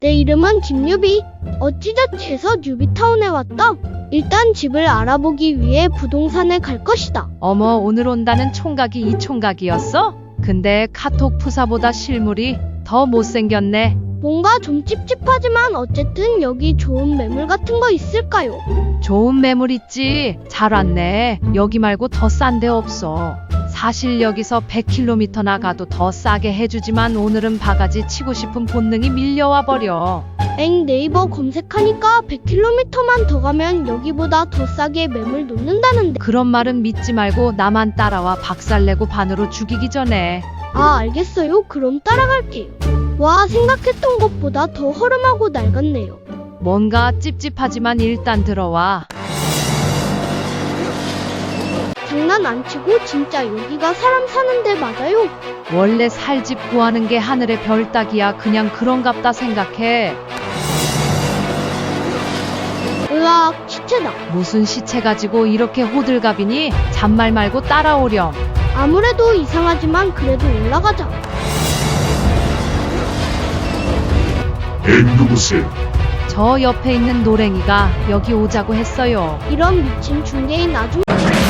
내 이름은 김유비. 어찌저찌해서 뉴비타운에 왔다. 일단 집을 알아보기 위해 부동산에 갈 것이다. 어머, 오늘 온다는 총각이 이 총각이었어? 근데 카톡 푸사보다 실물이 더 못생겼네. 뭔가 좀 찝찝하지만 어쨌든 여기 좋은 매물 같은 거 있을까요? 좋은 매물 있지. 잘 왔네. 여기 말고 더 싼 데 없어. 사실 여기서 100km 나가도 더 싸게 해주지만 오늘은 바가지 치고 싶은 본능이 밀려와 버려. 엥, 네이버 검색하니까 100km만 더 가면 여기보다 더 싸게 매물 놓는다는데. 그런 말은 믿지 말고 나만 따라와. 박살내고 반으로 죽이기 전에. 아, 알겠어요. 그럼 따라갈게요. 와, 생각했던 것보다 더 허름하고 낡았네요. 뭔가 찝찝하지만 일단 들어와. 장난 안 치고 진짜 여기가 사람 사는 데 맞아요? 원래 살 집 구하는 게 하늘의 별 따기야. 그냥 그런갑다 생각해. 으악, 시체다. 무슨 시체 가지고 이렇게 호들갑이니? 잔말 말고 따라오렴. 아무래도 이상하지만 그래도 올라가자. 누구세요? 저 옆에 있는 노랭이가 여기 오자고 했어요. 이런 미친 중개인 아줌마.